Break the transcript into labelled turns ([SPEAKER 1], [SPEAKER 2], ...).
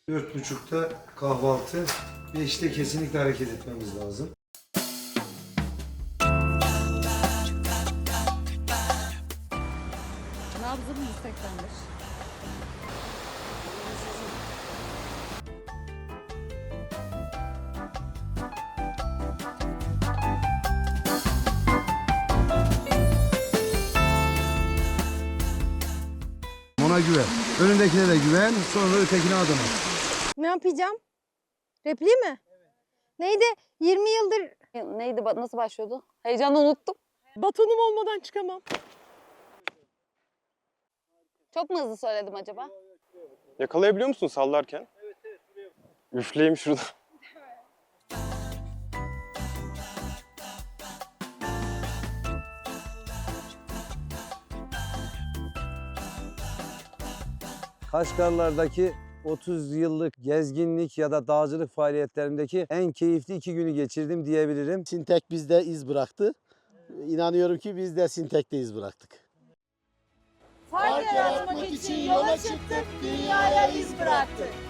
[SPEAKER 1] 4.30'da kahvaltı. 5'te kesinlikle hareket etmemiz lazım.
[SPEAKER 2] Nabzım 185.
[SPEAKER 1] Ona güven. Önündekine de güven. Sonra ötekine adım at.
[SPEAKER 3] Ne yapacağım? Repliği mi? Evet. Neydi? 20 yıldır...
[SPEAKER 2] Neydi? Nasıl başlıyordu? Heyecanla unuttum.
[SPEAKER 3] Batonum olmadan çıkamam.
[SPEAKER 2] Çok mu hızlı söyledim acaba?
[SPEAKER 4] Yakalayabiliyor musun sallarken? Evet. Üfleyeyim şurada.
[SPEAKER 5] Kaşgarlardaki 30 yıllık gezginlik ya da dağcılık faaliyetlerimdeki en keyifli 2 günü geçirdim diyebilirim.
[SPEAKER 6] Sintek bizde iz bıraktı. İnanıyorum ki biz de Sintek'te iz bıraktık.
[SPEAKER 3] Fark yaratmak için yola çıktık, dünyaya iz bıraktık.